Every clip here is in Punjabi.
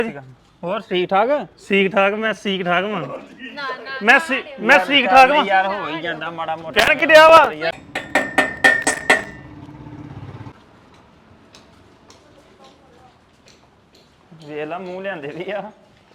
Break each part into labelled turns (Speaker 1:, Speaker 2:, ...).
Speaker 1: ਹੋਰ ਠੀਕ ਠਾਕ
Speaker 2: ਠੀਕ ਠਾਕ ਮੈਂ ਠੀਕ ਠਾਕ ਵਾਂ
Speaker 3: ਨਾ ਨਾ
Speaker 2: ਮੈਂ ਠੀਕ ਠਾਕ ਵਾਂ
Speaker 1: ਯਾਰ ਹੋ ਹੀ ਜਾਂਦਾ ਮਾੜਾ ਮੋਟਾ
Speaker 2: ਕਹਿਣ ਕਿਡਿਆ ਵਾ
Speaker 1: ਵੇਖ ਲਾ ਮੂੰਹ ਲਿਆਂਦੇ ਵੀ ਆ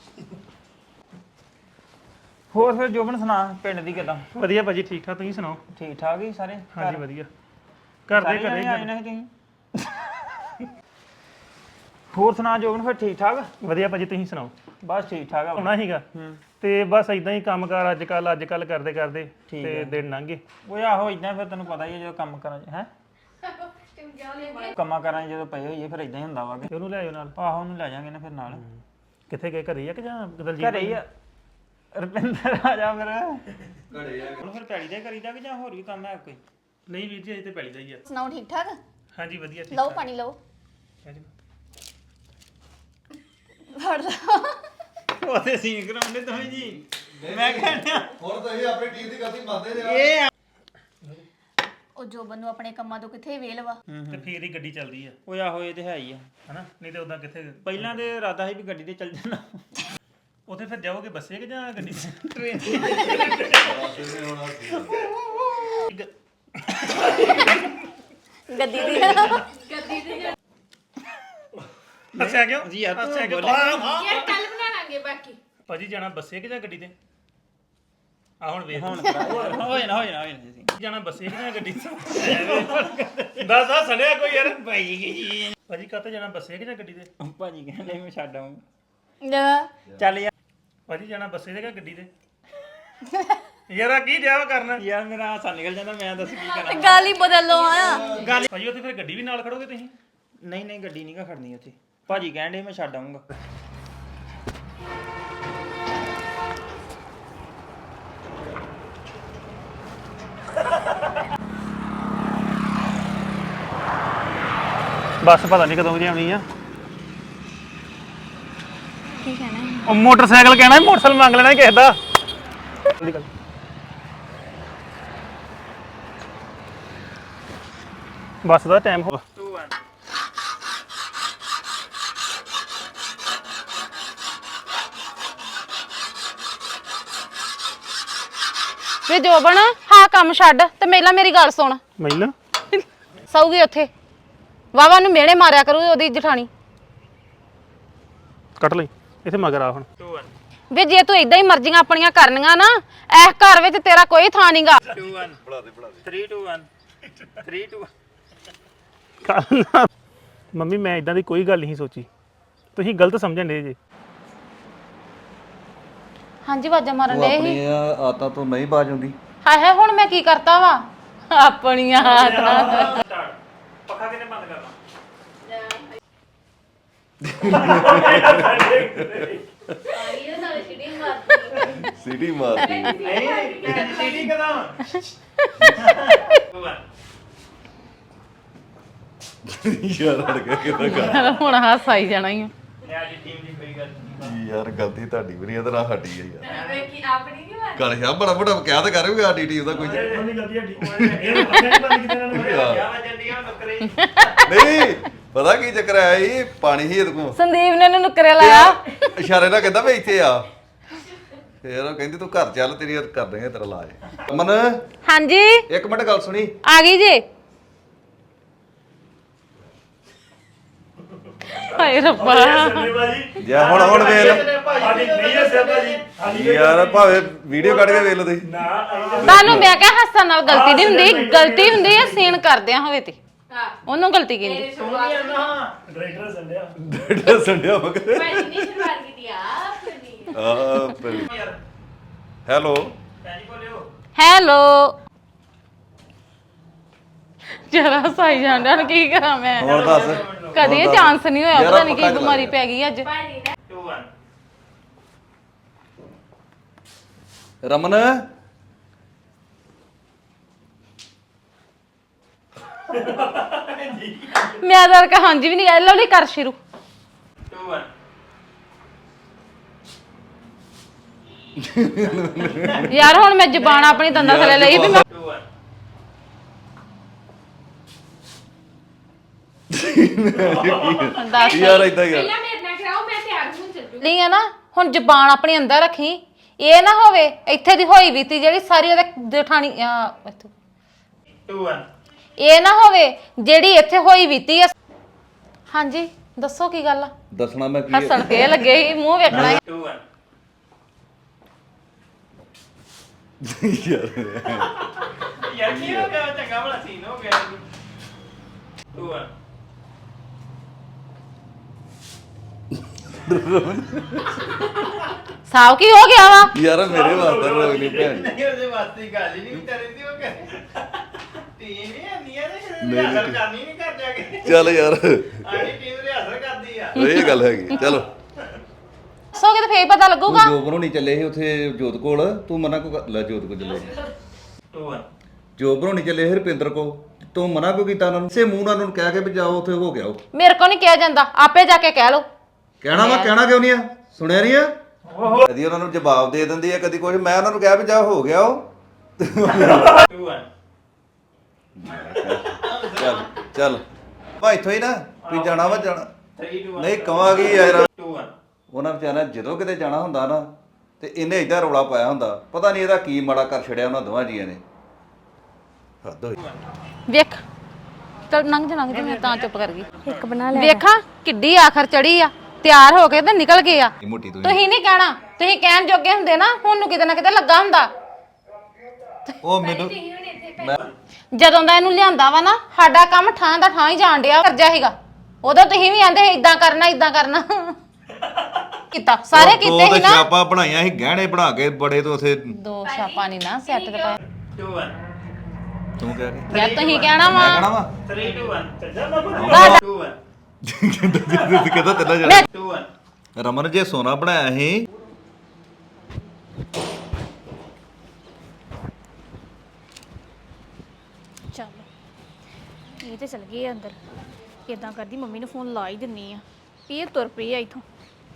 Speaker 1: ਹੋਰ ਫਿਰ ਜੋਬਨ ਸੁਣਾ ਪਿੰਡ ਦੀ ਕਿਦਾਂ
Speaker 2: ਵਧੀਆ ਭਾਜੀ ਠੀਕ ਠਾਕ ਤੁਸੀਂ ਸੁਣਾਓ
Speaker 1: ਠੀਕ ਠਾਕ ਹੀ ਸਾਰੇ
Speaker 2: ਹਾਂਜੀ ਵਧੀਆ ਘਰ ਦੇ ਘਰੇ
Speaker 1: ਆਏ ਨੇ ਤੁਸੀਂ ਹੋਰ ਸੁਣਾ ਜੋਬਨ ਫਿਰ ਠੀਕ ਠਾਕ
Speaker 2: ਵਧੀਆ ਭਾਜੀ ਤੁਸੀਂ ਸੁਣਾਓ
Speaker 1: ਬਸ ਠੀਕ ਠਾਕ ਆ
Speaker 2: ਆਉਣਾ ਸੀਗਾ ਤੇ ਬਸ ਇਦਾਂ ਹੀ ਕੰਮਕਾਰ ਅੱਜ ਕੱਲ ਕਰਦੇ ਕਰਦੇ ਤੇ ਦਿਨ ਲੰਘ ਗਏ
Speaker 1: ਉਹ ਆਹੋ ਇਦਾਂ ਫਿਰ ਤੈਨੂੰ ਪਤਾ ਹੀ ਹੈ ਜਦੋਂ ਕੰਮ ਕਰਾਂ ਹੈ ਕੰਮਾਂ ਕਰਾਂ ਜਦੋਂ ਪਏ ਹੋਈਏ ਫਿਰ ਇਦਾਂ ਹੀ ਹੁੰਦਾ ਵਾ
Speaker 2: ਤੇ ਉਹਨੂੰ ਲੈ ਆਇਓ ਨਾਲ
Speaker 1: ਆਹੋ ਉਹਨੂੰ ਲੈ ਜਾਾਂਗੇ ਨਾ ਫਿਰ ਨਾਲ
Speaker 2: ਕਿੱਥੇ ਗਏ ਘਰੇ ਆ ਕਿ ਜਾਂ ਦਲਜੀਤ
Speaker 1: ਘਰੇ ਹੀ ਆ ਰੁਪਿੰਦਰ ਆ ਜਾ ਫਿਰ ਘਰੇ ਆ ਹੁਣ ਫਿਰ ਪੈੜੀ ਦਾ ਕਰੀਦਾ ਕਿ ਜਾਂ ਹੋਰ ਵੀ ਕੰਮ ਹੈ ਕੋਈ
Speaker 2: ਨਹੀਂ ਵੀਰ ਜੀ ਅਜੇ ਤੇ ਪੈਲੀ ਦਾ ਹੀ ਆ
Speaker 3: ਸੁਣਾਓ ਠੀਕ ਠਾਕ
Speaker 2: ਹਾਂਜੀ ਵਧੀਆ ਠੀਕ
Speaker 3: ਲਓ ਪਾਣੀ ਲਓ
Speaker 2: ਠਾਕ
Speaker 3: ਫੜ ਲਓ
Speaker 1: ਉਹਦੇ ਸੀਨ ਕਰਾਉਂਦੇ ਤੁਸੀਂ ਜੀ ਮੈਂ ਕਹਿੰਦਾ
Speaker 4: ਹੁਣ ਤਾਂ ਇਹ ਆਪਣੀ ਟੀਮ ਦੀ ਗਲਤੀ ਮੰਨਦੇ ਨੇ
Speaker 1: ਇਹ
Speaker 3: ਉਹ ਜੋਬਨ ਨੂੰ ਆਪਣੇ ਕੰਮਾਂ ਤੋਂ ਕਿੱਥੇ ਵੇਲ ਵਾ
Speaker 2: ਤੇ ਫੇਰ ਹੀ ਗੱਡੀ ਚੱਲਦੀ ਆ
Speaker 1: ਉਹ ਆਹੋ ਇਹ ਤੇ ਹੈ ਹੀ ਆ
Speaker 2: ਹਨਾ ਨਹੀਂ ਤੇ ਉਦਾਂ ਕਿੱਥੇ
Speaker 1: ਪਹਿਲਾਂ ਤੇ ਇਰਾਦਾ ਸੀ ਵੀ ਗੱਡੀ ਤੇ ਚੱਲ ਜਾਣਾ
Speaker 2: ਉੱਥੇ ਫਿਰ ਜਾਓਗੇ ਬੱਸੇ ਕਿ ਜਾਂ ਗੱਡੀ
Speaker 1: ਟ੍ਰੇਨ
Speaker 3: ਗੱਦੀ ਦੀ
Speaker 2: ਹੱਸਿਆ ਕਿਉਂ
Speaker 1: ਜੀ ਯਾਰ
Speaker 2: ਹੱਸਿਆ ਕਿਉਂ
Speaker 3: ਯਾਰ ਕੱਲ ਬਣਾ ਲਾਂਗੇ ਬਾਕੀ
Speaker 2: ਭਾਜੀ ਜਾਣਾ ਬੱਸੇ ਕਿ ਜਾਂ ਗੱਡੀ ਤੇ ਆ ਹੁਣ ਵੇਖ
Speaker 1: ਹੁਣ ਹੋਏ ਨਾ ਜੀ
Speaker 2: ਜਾਣਾ ਬੱਸੇ ਕਿ ਜਾਂ ਗੱਡੀ ਤੇ ਦੱਸ ਆ ਸੜਿਆ ਕੋਈ ਯਾਰ
Speaker 1: ਭਾਈ ਜੀ
Speaker 2: ਭਾਜੀ ਕਾਤੇ ਜਾਣਾ ਬੱਸੇ ਕਿ ਜਾਂ ਗੱਡੀ ਤੇ
Speaker 1: ਭਾਜੀ ਕਹਿੰਦੇ ਮੈਂ ਛੱਡ ਆਊਂ
Speaker 3: ਨਾ
Speaker 1: ਚੱਲ ਯਾਰ
Speaker 2: ਭਾਜੀ ਜਾਣਾ ਬੱਸੇ ਤੇ ਕਿ ਗੱਡੀ ਤੇ ਯਾਰ ਆ ਕੀ ਡਿਆ ਵਾ ਕਰਨਾ
Speaker 1: ਯਾਰ ਮੇਰਾ ਹਾਸਾ ਨਿਕਲ ਜਾਂਦਾ ਮੈਂ ਦੱਸ ਕੀ ਕਰਾਂ
Speaker 3: ਗੱਲ ਹੀ ਬਦਲ ਲਓ ਆ
Speaker 2: ਭਾਜੀ ਉੱਥੇ ਫਿਰ ਗੱਡੀ ਵੀ ਨਾਲ ਖੜੋਗੇ ਤੁਸੀਂ
Speaker 1: ਨਹੀਂ ਗੱਡੀ ਨਹੀਂ ਗਾ ਖੜਨੀ ਉੱਥੇ ਭਾਜੀ ਕਹਿੰਦੇ ਮੈਂ ਛੱਡ ਆਊਂਗਾ
Speaker 2: ਬੱਸ ਪਤਾ ਨਹੀਂ ਕਦੋਂ ਦੀ ਆਉਣੀ ਆ
Speaker 3: ਕੀ ਕਹਿਣਾ
Speaker 2: ਉਹ ਮੋਟਰਸਾਈਕਲ ਕਹਿਣਾ ਮੋਟਰਸਾਈਕਲ ਮੰਗ ਲੈਣਾ ਕਿਸੇ ਦਾ ਬੱਸ ਦਾ ਟਾਈਮ ਹੋ
Speaker 5: ਵੇ ਜੋਬਨ ਹਾਂ ਕੰਮ ਛੱਡ ਤੇ ਪਹਿਲਾਂ ਮੇਰੀ ਗੱਲ ਸੁਣ
Speaker 2: ਮੈਨੂੰ
Speaker 5: ਸੌਗੀ ਉੱਥੇ ਵਾਵਾ ਨੂੰ ਮਿਹਣੇ ਮਾਰਿਆ ਕਰੂ ਉਹਦੀ ਜਠਾਣੀ
Speaker 2: ਕੱਟ ਲਈ ਇੱਥੇ ਮਗਰ ਆ ਹੁਣ
Speaker 5: ਵੇ ਜੇ ਤੂੰ ਇਦਾਂ ਹੀ ਮਰਜ਼ੀਆਂ ਆਪਣੀਆਂ ਕਰਨੀਆਂ ਨਾ ਇਸ ਘਰ ਵਿੱਚ ਤੇਰਾ ਕੋਈ ਥਾਂ ਨਹੀਂਗਾ
Speaker 1: 2 1 3 2 1 3 2
Speaker 2: ਮੰਮੀ ਮੈਂ ਇਦਾਂ ਦੀ ਕੋਈ ਗੱਲ ਨਹੀਂ ਸੋਚੀ ਤੁਸੀਂ ਗਲਤ ਸਮਝਣ ਦੇ ਜੇ
Speaker 5: ਹਾਂਜੀ ਵਾਜਾ ਮਾਰਨ ਦੇ ਹੀ
Speaker 4: ਆਪਣੀਆਂ ਆਦਤਾਂ ਤੋਂ ਨਹੀਂ ਬਾਜ ਹੁੰਦੀ
Speaker 5: ਹਾਏ ਹਾਏ ਹੁਣ ਮੈਂ ਕੀ ਕਰਤਾ ਵਾ ਆਪਣੀਆਂ ਆਦਤਾਂ
Speaker 2: ਪੱਖਾ ਕਿਨੇ ਬੰਦ ਕਰਨਾ
Speaker 3: ਆਈਓ ਨਾਲ ਛਿੜੀ ਮਾਰਦੀ
Speaker 4: ਸਿਟੀ ਮਾਰਦੀ
Speaker 1: ਸੀਟੀ ਕਦਾਂ
Speaker 4: ਯਾਰ ਅੜ ਗਿਆ ਕਿਦਾਂ ਕਰ
Speaker 5: ਹੁਣ ਹਾਸ ਆਈ ਜਾਣਾ ਹੀ
Speaker 1: ਮੈਂ ਅੱਜ ਟੀਮ ਦੀ ਕੋਈ ਗੱਲ ਨਹੀਂ
Speaker 4: ਯਾਰ ਗਲਤੀ ਤੁਹਾਡੀ ਵੀ ਨਹੀਂ ਇਹਦਾ ਸਾਡੀ ਹੈ ਯਾਰ
Speaker 3: ਵੇਖੀ ਆਪਣੀ ਨਹੀਂ ਮਾਰਦੀ
Speaker 4: ਗੱਲ ਸ਼ਾ ਬੜਾ ਬੜਾ ਕਹਿ ਤਾਂ ਕਰੋਗੇ ਸਾਡੀ ਟੀਮ ਦਾ ਕੋਈ
Speaker 2: ਉਹਦੀ ਗਲਤੀ ਹੱਡੀ ਇਹ ਪੱਖੇ ਨਹੀਂ ਬੰਦ ਕੀਤੇ ਇਹਨਾਂ ਨੇ
Speaker 4: ਯਾਰ,
Speaker 1: ਜੰਡੀਆਂ ਨੁਕਰੇ
Speaker 4: ਨਹੀਂ ਪਤਾ ਕੀ ਚੱਕਰ ਆਇਆ ਇਹ ਪਾਣੀ ਹੀ ਇਹਦੇ ਕੋਲ
Speaker 5: ਸੰਦੀਪ ਨੇ ਇਹਨੂੰ ਨੁਕਰੇ ਲਾਇਆ
Speaker 4: ਇਸ਼ਾਰੇ ਨਾਲ ਕਹਿੰਦਾ ਮੈਂ ਇੱਥੇ ਆ ਫੇਰ ਉਹ ਕਹਿੰਦੀ ਤੂੰ ਘਰ ਚੱਲ ਤੇਰੀ ਕਰ ਦੇਂਗੇ ਤੇਰਾ ਇਲਾਜ ਮਨ
Speaker 5: ਹਾਂਜੀ
Speaker 4: ਇੱਕ ਮਿੰਟ ਗੱਲ ਸੁਣੀ
Speaker 5: ਆ ਗਈ ਜੀ ਹਾਏ ਰੱਬਾ
Speaker 4: ਜੇ ਹੁਣ ਵੇਖ
Speaker 2: ਭਾਜੀ ਨਹੀਂ ਹੈ ਸਿਰ ਭਾਜੀ
Speaker 4: ਯਾਰ ਭਾਵੇਂ ਵੀਡੀਓ ਕੱਢ ਕੇ ਵੇਖ ਲਓ ਤੁਸੀਂ
Speaker 5: ਤੁਹਾਨੂੰ ਮੈਂ ਕਿਹਾ ਹੱਸਣ ਨਾਲ ਗਲਤੀ ਨਹੀਂ ਹੁੰਦੀ ਗਲਤੀ ਹੁੰਦੀ ਹੈ ਸੀਨ ਕਰਦਿਆਂ ਹੋਵੇ ਤੇ ਉਹਨੂੰ ਗਲਤੀ ਕਹਿੰਦੀ
Speaker 2: ਡਾਇਰੈਕਟਰ ਸੰਡਿਆ
Speaker 4: ਡੇਢ ਸੰਡਿਆ ਮਗਰ
Speaker 3: ਮੈਂ ਨਹੀਂ ਸ਼ੁਰੂਆਤ ਕੀਤੀ ਆਪਣੀ
Speaker 4: ਹੈਲੋ
Speaker 5: ਹੈਲੋ ਜਰਾ ਸਾਈ ਜਾਂਦਾ ਕੀ ਕਰਾਂ ਮੈਂ
Speaker 4: ਹੋਰ ਦੱਸ
Speaker 5: ਕਦੇ ਇਹ ਚਾਂਸ ਨਹੀਂ ਹੋਇਆ
Speaker 4: ਯਾਰ
Speaker 5: ਪਤਾ ਨਹੀਂ ਕੀ
Speaker 4: ਪੱਕਾ
Speaker 5: ਬਿਮਾਰੀ ਪੈ ਗਈ ਅੱਜ
Speaker 3: ਭਾਜੀ ਨਾ
Speaker 1: 2 1
Speaker 4: ਰਮਨ
Speaker 5: ਮੈਂ ਤਾਂ ਕਹਾਂ ਹਾਂਜੀ ਵੀ ਨਹੀਂ ਗੱਲ ਲਵਲੀ ਕਰ ਸ਼ੁਰੂ
Speaker 1: 2 1
Speaker 5: ਯਾਰ ਹੁਣ ਮੈਂ ਜ਼ਬਾਨ ਆਪਣੀ ਦੰਦਾਂ ਥੱਲੇ ਲਈ ਵੀ ਮੈਂ
Speaker 1: 2 1
Speaker 5: ਦੱਸ
Speaker 4: ਯਾਰ ਇਦਾਂ ਹੀ
Speaker 3: ਪਹਿਲਾਂ ਮੇਰੇ ਨਾਲ ਕਰਾਓ ਮੈਂ ਤਿਆਰ ਹੁਣ ਚੱਲੀ
Speaker 5: ਲਈ ਆ ਨਾ ਹੁਣ ਜ਼ਬਾਨ ਆਪਣੀ ਅੰਦਰ ਰੱਖੀ ਇਹ ਨਾ ਹੋਵੇ ਇੱਥੇ ਦੀ ਹੋਈ ਬੀਤੀ ਜਿਹੜੀ ਸਾਰੀ ਉਹਦੇ ਜਠਾਣੀ ਇੱਥੋਂ
Speaker 1: 2 1
Speaker 5: ਇਹ ਨਾ ਹੋਵੇ ਜਿਹੜੀ ਇੱਥੇ ਹੋਈ ਬੀਤੀ ਆ ਹਾਂਜੀ ਦੱਸੋ ਕੀ ਗੱਲ ਆ
Speaker 4: ਦੱਸਣਾ ਮੈਂ ਕੀ
Speaker 5: ਹੱਸਣ ਕੇ ਲੱਗੇ ਸੀ ਮੂੰਹ ਵੇਖਣਾ ਸੀ।
Speaker 1: 2 1 ਯਾਰ ਕੀ ਹੋ ਗਿਆ ਚੰਗਾ ਬੜਾ ਸੀਨ ਹੋ ਗਿਆ 2 1
Speaker 5: ਸਾਬ ਕੀ ਹੋ ਗਿਆ ਵਾ
Speaker 4: ਯਾਰ ਮੇਰੇ ਵਾਸਤੇ ਰੋਗ ਨਹੀਂ ਭੈਣ
Speaker 1: ਨਹੀਂ ਉਹਦੇ ਵਾਸਤੇ ਗੱਲ ਹੀ ਨਹੀਂ ਵਿਚਾਰੇ ਦੀ ਉਹ ਕਰੇ ਟੀਮ ਹੀ ਆਂਦੀਆਂ ਨੇ ਰਿਹਾਸਲ ਕਰਨੀ ਨਹੀਂ ਕਰ ਜਾ ਕੇ
Speaker 4: ਚੱਲ ਯਾਰ
Speaker 1: ਆਣੀ ਟੀਮ ਰਿਹਾਸਲ ਕਰਦੀ ਆ
Speaker 4: ਇਹ ਗੱਲ ਹੈਗੀ ਚਲੋ
Speaker 5: ਸੋਗੇ ਤੇ ਫੇਰ ਪਤਾ ਲੱਗੂਗਾ
Speaker 4: ਜੋ ਬਣਾਉਣੀ ਚੱਲੇ ਸੀ ਉੱਥੇ ਜੋਤ ਕੋਲ ਤੂੰ ਮਨਾ ਕੋ ਲੈ ਜੋਤ ਕੋ ਚੱਲੇ
Speaker 1: 2 1
Speaker 4: ਜੋ ਬਣਾਉਣੀ ਚੱਲੇ ਸੀ ਰੁਪਿੰਦਰ ਕੋ ਤੂੰ ਮਨਾ ਕੋ ਕੀਤਾ ਉਹਨਾਂ ਨੂੰ ਸੇ ਮੂੰਹ ਨਾਲ ਉਹਨਾਂ ਨੂੰ ਕਹਿ ਕੇ ਵੀ ਜਾਓ ਉੱਥੇ ਹੋ ਗਿਆ ਉਹ
Speaker 5: ਮੇਰੇ ਕੋ ਨਹੀਂ ਕਿਹਾ ਜਾਂਦਾ ਆਪੇ ਜਾ ਕੇ ਕਹਿ ਲਓ
Speaker 4: ਕਹਿਣਾ ਕਿਉਂ ਨਹੀਂ ਆ ਸੁਣਿਆ ਨਹੀਂ ਆ ਕਦੀ ਉਹਨਾਂ ਨੂੰ ਜਵਾਬ ਦੇ ਦਿੰਦੀ ਆ ਕਦੀ ਕੁਝ ਮੈਂ ਉਹਨਾਂ ਨੂੰ ਕਿਹਾ ਵੀ ਜਾ ਹੋ ਗਿਆ ਉਹ
Speaker 1: 2 1
Speaker 4: ਚੱਲ ਚੱਲ ਭਾਈ ਇੱਥੋਂ ਹੀ ਨਾ ਵੀ ਜਾਣਾ ਵਾ ਜਾਣਾ
Speaker 1: 3 2 1
Speaker 4: ਨਹੀਂ ਕਵਾਂਗੀ ਯਾਰ
Speaker 1: 2 1
Speaker 4: ਉਹਨਾਂ ਵਿਚਾਰਿਆਂ ਜਦੋਂ ਕਿਤੇ ਜਾਣਾ ਹੁੰਦਾ ਨਾ ਤੇ ਇਹਨੇ ਏਦਾਂ ਰੌਲਾ ਪਾਇਆ ਹੁੰਦਾ ਪਤਾ ਨਹੀਂ ਇਹਦਾ ਕੀ ਮਾੜਾ ਕਰ ਛੜਿਆ ਉਹਨਾਂ ਦੋਵਾਂ ਜੀਆਂ ਨੇ ਹੱਦ ਹੋਈ
Speaker 5: ਵੇਖ ਚਲ ਲੰਘ ਜਾ ਮੈਂ ਤਾਂ ਚੁੱਪ ਕਰ ਗਈ ਇੱਕ ਬਣਾ ਲੈ ਵੇਖਾਂ ਕਿੱਡੀ ਆਖਰ ਚੜੀ ਆ ਤਿਆਰ ਹੋ ਕੇ ਤੇ ਨਿਕਲ ਗਏ ਆ
Speaker 4: ਮੋਟੀ ਤੂੰ
Speaker 5: ਤੁਸੀਂ ਨਹੀਂ ਕਹਿਣਾ ਤੁਸੀਂ ਕਹਿਣ ਜੋਗੇ ਹੁੰਦੇ ਨਾ ਹੁਣ ਨੂੰ ਕਿਤੇ ਨਾ ਕਿਤੇ ਲੱਗਾ ਹੁੰਦਾ
Speaker 4: ਉਹ ਮੈਨੂੰ ਮੈਂ
Speaker 5: ਜਦੋਂ ਦਾ ਇਹਨੂੰ ਲਿਆਂਦਾ ਵਾ ਨਾ ਸਾਡਾ ਕੰਮ ਠਾਂ ਦਾ ਠਾਂ ਹੀ ਜਾਣ ਡਿਆ ਕਰਜਾ ਸੀਗਾ ਉਦੋਂ ਤੁਸੀਂ ਵੀ ਆਂਦੇ ਇਦਾਂ ਕਰਨਾ ਕੀਤਾ ਸਾਰੇ ਕੀਤੇ ਸੀ ਨਾ
Speaker 4: ਛਾਪਾਂ ਬਣਾਈਆਂ ਸੀ ਗਹਿਣੇ ਬਣਾ ਕੇ ਬੜੇ ਤੋਂ ਉਥੇ
Speaker 5: ਦੋ ਛਾਪਾਂ ਨਹੀਂ ਨਾ ਸੈੱਟ ਤੇ ਪਾਇਆ
Speaker 1: 2 1
Speaker 4: ਤੂੰ ਕਹਿ ਕੇ
Speaker 5: ਯਾਰ ਤੁਸੀਂ ਕਹਿਣਾ ਵਾ
Speaker 4: ਕਹਿਣਾ ਵਾ
Speaker 1: 3 2 1 ਚੱਲ ਬਾਬਾ 2 1
Speaker 4: ਕਿਹਦਾ ਤੇਲਾ ਜਾ
Speaker 1: 2 1
Speaker 4: ਰਮਨ ਜੇ ਸੋਨਾ ਬਣਾਇਆ ਸੀ
Speaker 3: ਚੱਲ ਇਹ ਤੇ ਚਲ ਗਏ ਆ ਅੰਦਰ ਇਦਾਂ ਕਰਦੀ ਮੰਮੀ ਨੂੰ ਫੋਨ ਲਾ ਹੀ ਦਿੰਨੀ ਆ ਇਹ ਤੁਰ ਪਈ ਆ ਇਥੋਂ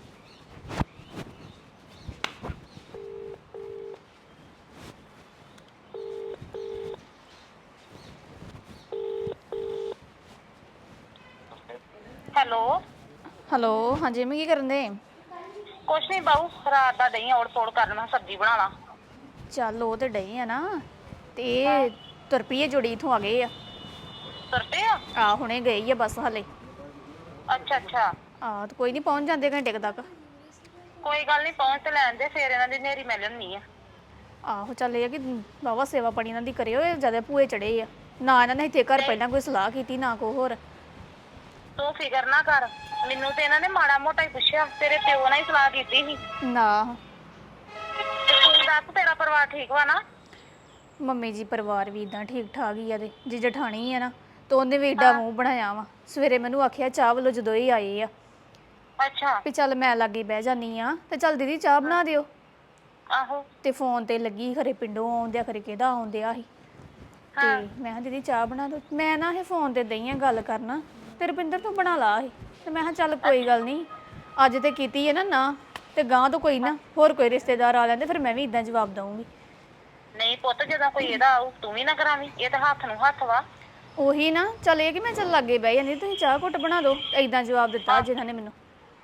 Speaker 6: ਹੈਲੋ
Speaker 3: ਹੈਲੋ ਹਾਂਜੀ ਮੈਂ ਕੀ ਕਰਨ ਦੇ
Speaker 6: ਕੁਛ ਨਹੀਂ ਬਾਊ ਰਾਤ ਦਾ ਦਹੀਂ ਔੜ ਤੋੜ ਕਰਨ ਮੈਂ ਸਬਜ਼ੀ ਬਣਾ ਲਾਂ
Speaker 3: ਚੱਲ ਉਹ ਤੇ ਡਏ ਆ ਨਾ ਤੇ ਇਹ ਤੁਰ ਪਈ ਆ ਜੋੜੀ ਇਥੋਂ ਆ ਗਏ ਆ
Speaker 6: ਤੁਰਤੇ ਆ
Speaker 3: ਹੁਣੇ ਗਈ ਆ ਬਸ ਹਲੇ
Speaker 6: ਅੱਛਾ ਅੱਛਾ
Speaker 3: ਤੇ ਕੋਈ ਨਹੀਂ ਪਹੁੰਚ ਜਾਂਦੇ ਘੰਟੇ ਕੁ ਤੱਕ
Speaker 6: ਕੋਈ ਗੱਲ ਨਹੀਂ ਪਹੁੰਚ ਤੇ ਲੈਣ ਦੇ ਫੇਰ ਇਹਨਾਂ ਦੀ ਨੇਰੀ ਮਿਲ ਲੈਣੀ ਆ
Speaker 3: ਆਹੋ ਚੱਲ ਇਹ ਆ ਕਿ ਬਾਵਾ ਸੇਵਾ ਪਾਣੀ ਇਹਨਾਂ ਦੀ ਕਰਿਓ ਇਹ ਜਿਆਦਾ ਭੂਏ ਚੜੇ ਆ ਨਾ ਇਹਨਾਂ ਨੇ ਇੱਥੇ ਘਰ ਪਹਿਲਾਂ ਕੋਈ ਸਲਾਹ ਕੀਤੀ ਨਾ ਕੋ ਹੋਰ
Speaker 6: ਤੂੰ ਫਿਕਰ ਨਾ ਕਰ ਮੈਨੂੰ ਤੇ ਇਹਨਾਂ ਨੇ ਮਾੜਾ ਮੋਟਾ ਹੀ ਪੁੱਛਿਆ ਤੇਰੇ ਪਿਓ ਨਾਲ ਹੀ ਸਲਾਹ ਕੀਤੀ ਸੀ
Speaker 3: ਨਾ
Speaker 6: ਤੇ ਤੂੰ ਦੱਸ ਤੇਰਾ ਪਰਿਵਾਰ ਠੀਕ ਵਾ ਨਾ
Speaker 3: ਮੰਮੀ ਜੀ ਪਰਿਵਾਰ ਵੀ ਇਦਾਂ ਠੀਕ ਠਾਕ ਹੀ ਆ ਦੇ ਜੇ ਜਠਾਣੀ ਆ ਨਾ ਤੇ ਉਹਨੇ ਵੀ ਏਡਾ ਮੂੰਹ ਬਣਾਇਆ ਵਾ ਸਵੇਰੇ ਮੈਨੂੰ ਆਖਿਆ ਚਾਹ ਵੱਲੋਂ ਜਦੋਂ ਹੀ ਆਏ ਆ
Speaker 6: ਅੱਛਾ
Speaker 3: ਵੀ ਚੱਲ ਮੈਂ ਲਾਗੇ ਬਹਿ ਜਾਨੀ ਆ ਤੇ ਚੱਲ ਦੀਦੀ ਚਾਹ ਬਣਾ ਦਿਓ
Speaker 6: ਆਹੋ
Speaker 3: ਤੇ ਫੋਨ ਤੇ ਲੱਗੀ ਖਰੇ ਪਿੰਡੋਂ ਆਉਂਦਿਆ ਖਰੇ ਕਿਹਦਾ ਆਉਂਦਿਆ ਸੀ ਤੇ ਮੈਂ ਕਿਹਾ ਦੀਦੀ ਚਾਹ ਬਣਾ ਦਿਓ ਮੈਂ ਨਾ ਇਹ ਫੋਨ ਤੇ ਦਈ ਆ ਗੱਲ ਕਰਨਾ ਤੇ ਰੁਪਿੰਦਰ ਤੂੰ ਬਣਾ ਲਾ ਇਹ ਤੇ ਮੈਂ ਕਿਹਾ ਚੱਲ ਕੋਈ ਗੱਲ ਨਹੀਂ ਅੱਜ ਤੇ ਕੀਤੀ ਹੈ ਨਾ ਤੇ ਗਾਂ ਤੋਂ ਕੋਈ ਨਾ ਹੋਰ ਕੋਈ ਰਿਸ਼ਤੇਦਾਰ ਆ ਲੈਂਦੇ ਫਿਰ ਮੈਂ ਵੀ ਇਦਾਂ ਜਵਾਬ ਦਊਂਗੀ
Speaker 6: ਨਹੀਂ ਪੁੱਤ ਜਦੋਂ ਕੋਈ ਇਹਦਾ ਆਊ ਤੂੰ ਵੀ ਨਾ ਕਰਾਵੀਂ ਇਹ ਤਾਂ ਹੱਥ ਨੂੰ ਹੱਥ ਵਾ
Speaker 3: ਉਹੀ ਨਾ ਚੱਲ ਇਹ ਕਿ ਮੈਂ ਚੱਲ ਲਾਗੇ ਬਹਿ ਜਾਂਦੀ ਤੁਸੀਂ ਚਾਹ ਘੁੱਟ ਬਣਾ ਦਿਓ ਇਦਾਂ ਜਵਾਬ ਦਿੱਤਾ ਜਿਨ੍ਹਾਂ ਨੇ ਮੈਨੂੰ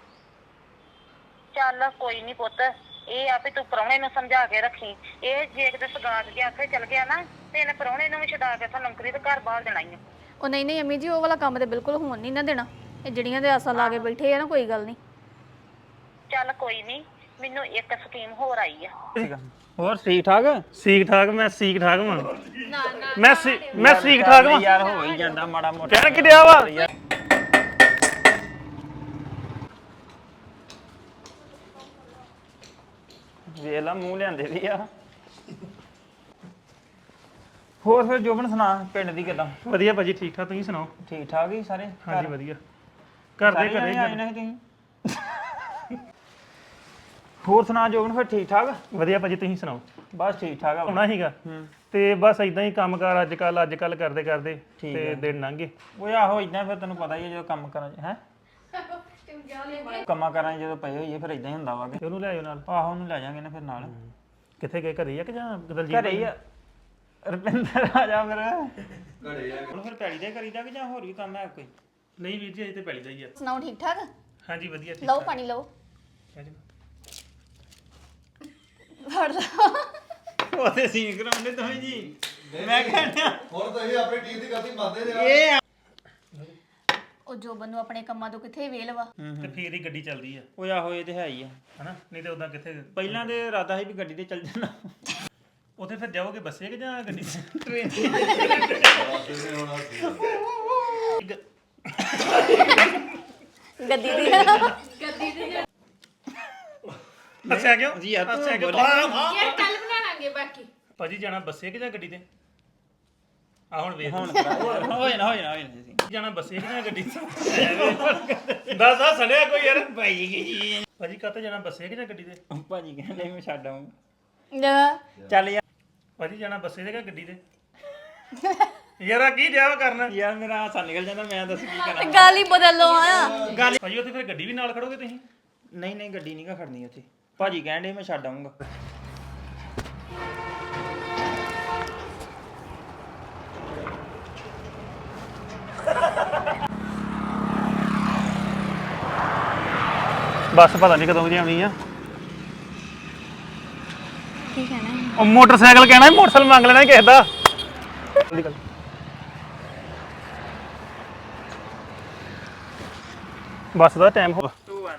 Speaker 6: ਚੱਲ ਕੋਈ ਨਹੀਂ ਪੁੱਤ ਇਹ ਆ ਵੀ ਤੂੰ ਪ੍ਰਾਹੁਣੇ ਨੂੰ ਸਮਝਾ ਕੇ ਰੱਖੀ ਇਹ ਜੇ ਕਿਤੇ ਸਗਾਤ ਦੇ ਆਖੇ ਚਲ ਗਿਆ ਨਾ ਤੇ ਇਹਨੇ ਪ੍ਰਾਹੁਣੇ ਨੂੰ ਵੀ ਛਡਾ ਕੇ ਸਾਨੂੰ ਨੌਕਰੀ ਤੇ ਘਰ ਬਾਹਰ ਦੇਣਾ ਹੀ ਆ
Speaker 3: ਉਹ ਨਹੀਂ ਅੰਮੀ ਜੀ ਉਹ ਵਾਲਾ ਕੰਮ ਤੇ ਬਿਲਕੁਲ ਹੋਣ ਨਹੀਂ ਨਾ ਦੇਣਾ ਇਹ ਜਿਹੜੀਆਂ ਦੇ ਆਸਾਂ ਲਾ ਕੇ ਬੈਠੇ ਆ ਨਾ ਕੋਈ ਗੱਲ ਨਹੀਂ
Speaker 6: ਚੱਲ ਕੋਈ ਨਹੀਂ ਮੈਨੂੰ ਇੱਕ ਸਕੀਮ ਹੋਰ ਆਈ ਆ
Speaker 1: ਹੋਰ ਠੀਕ ਠਾਕ
Speaker 2: ਸੀਕ ਠਾਕ ਮੈਂ ਸੀਕ ਠਾਕ ਵਾਂ ਮੈਂ ਸੀਕ ਠਾਕ ਵਾਂ
Speaker 1: ਯਾਰ ਹੋ ਹੀ ਜਾਂਦਾ ਮਾੜਾ ਮੋਟਾ
Speaker 2: ਕਹਿਣ ਕਿਡਿਆ ਵਾ
Speaker 1: ਵੇਖ ਲਾ ਮੂੰਹ ਲਿਆਂਦੇ ਵੀ ਆ ਹੋਰ ਫਿਰ ਜੋਬਨ ਸੁਣਾ ਪਿੰਡ ਦੀ ਕਿਦਾਂ
Speaker 2: ਵਧੀਆ ਭਾਜੀ ਠੀਕ ਠਾਕ ਤੁਸੀਂ ਸੁਣਾਓ
Speaker 1: ਠੀਕ ਠਾਕ ਹੀ ਸਾਰੇ
Speaker 2: ਹਾਂਜੀ ਵਧੀਆ ਘਰ ਦੇ ਘਰੇ
Speaker 1: ਆਏ ਨੇ ਤੁਸੀਂ ਹੋਰ ਸੁਣਾ ਜੋਬਨ ਫਿਰ ਠੀਕ ਠਾਕ
Speaker 2: ਵਧੀਆ ਭਾਜੀ ਤੁਸੀਂ ਸੁਣਾਓ
Speaker 1: ਬਸ ਠੀਕ ਠਾਕ ਆ
Speaker 2: ਆਉਣਾ ਸੀਗਾ ਤੇ ਬਸ ਇਦਾਂ ਹੀ ਕੰਮਕਾਰ ਅੱਜ ਕੱਲ ਕਰਦੇ ਕਰਦੇ ਤੇ ਦਿਨ ਲੰਘ ਗਏ
Speaker 1: ਉਹ ਆਹੋ ਇਦਾਂ ਫਿਰ ਤੈਨੂੰ ਪਤਾ ਹੀ ਹੈ ਜਦੋਂ ਕੰਮ ਕਰਾਂ ਹੈ ਕੰਮਾਂ ਕਰਾਂ ਜਦੋਂ ਪਏ ਹੋਈਏ ਫਿਰ ਇਦਾਂ ਹੀ ਹੁੰਦਾ ਵਾ ਕਿ
Speaker 2: ਉਹਨੂੰ ਲੈ ਆਇਓ ਨਾਲ
Speaker 1: ਆਹੋ ਉਹਨੂੰ ਲੈ ਜਾਾਂਗੇ ਨਾ ਫਿਰ ਨਾਲ
Speaker 2: ਕਿੱਥੇ ਗਏ ਘਰੇ ਆ ਕਿ ਜਾਂ ਦਲਜੀਤ
Speaker 1: ਘਰੇ ਹੀ ਆ ਰੁਪਿੰਦਰ ਆ ਜਾ ਫਿਰ ਘਰੇ ਆ ਹੁਣ ਫਿਰ ਪੈੜੀ ਦੇ ਕਰੀਦਾ ਕਿ ਜਾਂ ਹੋਰ ਵੀ ਕੰਮ ਹੈ ਕੋਈ
Speaker 2: ਨਹੀਂ ਵੀਰ ਜੀ ਅਜੇ ਤੇ ਪੈਲੀ ਦਾ ਹੀ ਆ
Speaker 3: ਸੁਣਾਓ ਠੀਕ ਠਾਕ
Speaker 2: ਹਾਂਜੀ ਵਧੀਆ ਠੀਕ
Speaker 3: ਲਓ ਪਾਣੀ ਲਓ ਫੜ ਲਾ
Speaker 1: ਉਹਦੇ ਸੀਨ ਕਰਾਉਂਦੇ ਤੁਸੀਂ ਜੀ ਮੈਂ ਕਹਿੰਦਾ
Speaker 4: ਹੁਣ ਤੁਸੀਂ ਆਪਣੀ ਟੀਮ ਦੀ ਗਲਤੀ ਮੰਨਦੇ
Speaker 1: ਇਹ
Speaker 3: ਉਹ ਜੋਬਨ ਨੂੰ ਆਪਣੇ ਕੰਮਾਂ ਤੋਂ ਕਿੱਥੇ ਵੇਲ ਵਾ
Speaker 2: ਤੇ ਫੇਰ ਹੀ ਗੱਡੀ ਚੱਲਦੀ ਆ
Speaker 1: ਉਹ ਆਹੋ ਇਹ ਤੇ ਹੈ ਹੀ ਆ
Speaker 2: ਹਨਾ ਨਹੀਂ ਤੇ ਉਦਾਂ ਕਿੱਥੇ
Speaker 1: ਪਹਿਲਾਂ ਤੇ ਇਰਾਦਾ ਸੀ ਵੀ ਗੱਡੀ ਤੇ ਚੱਲ ਜਾਣਾ
Speaker 2: ਉੱਥੇ ਫਿਰ ਜਾਓਗੇ ਬੱਸੇ ਕਿ ਜਾਂ ਗੱਡੀ
Speaker 1: ਟ੍ਰੇਨ
Speaker 3: ਗੱਡੀ ਦੀ
Speaker 2: ਹੱਸਿਆ ਕਿਉਂ
Speaker 1: ਜੀ ਯਾਰ ਤੂੰ
Speaker 2: ਹੱਸਿਆ ਕਿਉਂ
Speaker 5: ਯਾਰ ਕੱਲ ਬਣਾਵਾਂਗੇ ਬਾਕੀ
Speaker 2: ਭਾਜੀ ਜਾਣਾ ਬੱਸੇ ਕਿ ਜਾਂ ਗੱਡੀ ਤੇ ਆ ਹੁਣ ਵੇਖ
Speaker 1: ਹੁਣ ਹੋ ਜਾਣਾ ਜੀ
Speaker 2: ਜਾਣਾ ਬੱਸੇ ਕਿ ਜਾਂ ਗੱਡੀ ਤੇ ਦੱਸ ਆ ਸੜਿਆ ਕੋਈ ਯਾਰ
Speaker 1: ਭਾਈ ਜੀ
Speaker 2: ਭਾਜੀ ਕਾਤੇ ਜਾਣਾ ਬੱਸੇ ਕਿ ਜਾਂ ਗੱਡੀ ਤੇ
Speaker 1: ਭਾਜੀ ਕਹਿੰਦੇ ਮੈਂ ਛੱਡ ਆਊਂ
Speaker 3: ਲੈ,
Speaker 1: ਚੱਲ ਯਾਰ
Speaker 2: ਭਾਜੀ ਜਾਣਾ ਬੱਸੇ ਤੇ ਕਿ ਗੱਡੀ ਤੇ ਯਾਰ ਆ ਕੀ ਜਾਵਾ ਕਰਨਾ
Speaker 1: ਯਾਰ ਮੇਰਾ ਹਾਸਾ ਨਿਕਲ ਜਾਂਦਾ ਮੈਂ ਦੱਸ ਕੀ ਕਰਾਂ
Speaker 3: ਗੱਲ ਹੀ ਬਦਲ ਲਓ ਆ
Speaker 2: ਭਾਜੀ ਉੱਥੇ ਫਿਰ ਗੱਡੀ ਵੀ ਨਾਲ ਖੜੋਗੇ ਤੁਸੀਂ
Speaker 1: ਨਹੀਂ ਗੱਡੀ ਨਹੀਂ ਗਾ ਖੜਨੀ ਉੱਥੇ ਭਾਜੀ ਕਹਿੰਦੇ ਮੈਂ ਛੱਡ ਆਊਂਗਾ
Speaker 2: ਬੱਸ ਪਤਾ ਨਹੀਂ ਕਦੋਂ ਦੀ ਆਉਣੀ ਆ
Speaker 3: ਕੀ ਕਹਿਣਾ ਹੈ?
Speaker 2: ਉਹ ਮੋਟਰਸਾਈਕਲ ਕਹਿਣਾ ਮੋਟਰਸਾਈਕਲ ਮੰਗ ਲੈਣਾ ਕਿਸੇ ਦਾ ਬੱਸ ਦਾ ਟਾਈਮ ਹੋ
Speaker 1: 2 1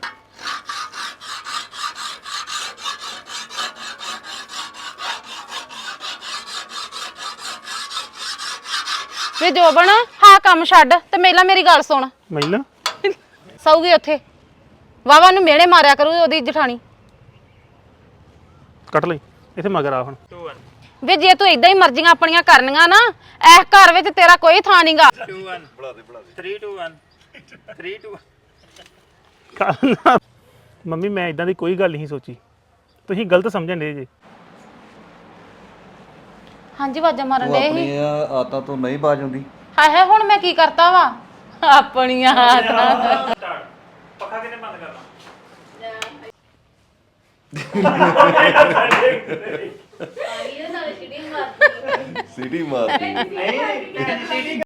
Speaker 5: ਵੇ ਜੋਬਨ ਹਾਂ ਕੰਮ ਛੱਡ ਤੇ ਮੇਲਾ ਮੇਰੀ ਗੱਲ ਸੁਣ
Speaker 2: ਮੈਨੂੰ
Speaker 5: ਸੌਗੀ ਉੱਥੇ ਵਾਵਾ ਨੂੰ ਮਿਹਣੇ ਮਾਰਿਆ ਕਰੂ ਉਹਦੀ ਜਠਾਣੀ
Speaker 2: ਕੱਟ ਲਈ ਇੱਥੇ ਮਗਰ ਆ ਹੁਣ
Speaker 1: 2 1
Speaker 5: ਵੇ ਜੇ ਤੂੰ ਇਦਾਂ ਹੀ ਮਰਜ਼ੀਆਂ ਆਪਣੀਆਂ ਕਰਨੀਆਂ ਨਾ ਇਸ ਘਰ ਵਿੱਚ ਤੇਰਾ ਕੋਈ ਥਾਂ ਨਹੀਂਗਾ
Speaker 1: 2 1 ਬੁਲਾ ਦੇ 3 2 1 3 2
Speaker 2: ਮੰਮੀ ਮੈਂ ਇਦਾਂ ਦੀ ਕੋਈ ਗੱਲ ਨਹੀਂ ਸੋਚੀ ਤੁਸੀਂ ਗਲਤ ਸਮਝਣ ਦੇ ਜੇ
Speaker 5: ਹਾਂਜੀ ਵਾਜਾ ਮਾਰਨ
Speaker 4: ਉਹ
Speaker 5: ਦੇ ਸੀ
Speaker 4: ਆਪਣੀਆਂ ਆਦਤਾਂ ਤੋਂ ਨਹੀਂ ਬਾਜ ਆਉਂਦੀ
Speaker 5: ਹਾਏ ਹਾਏ ਹੁਣ ਮੈਂ ਕੀ ਕਰਤਾ ਵਾ ਆਪਣੀਆਂ ਆਦਤਾਂ
Speaker 2: ਪੱਖਾ ਕਿਨੇ ਬੰਦ ਕਰਨਾ
Speaker 4: ਸਿਟੀ ਮਾਰਦੀ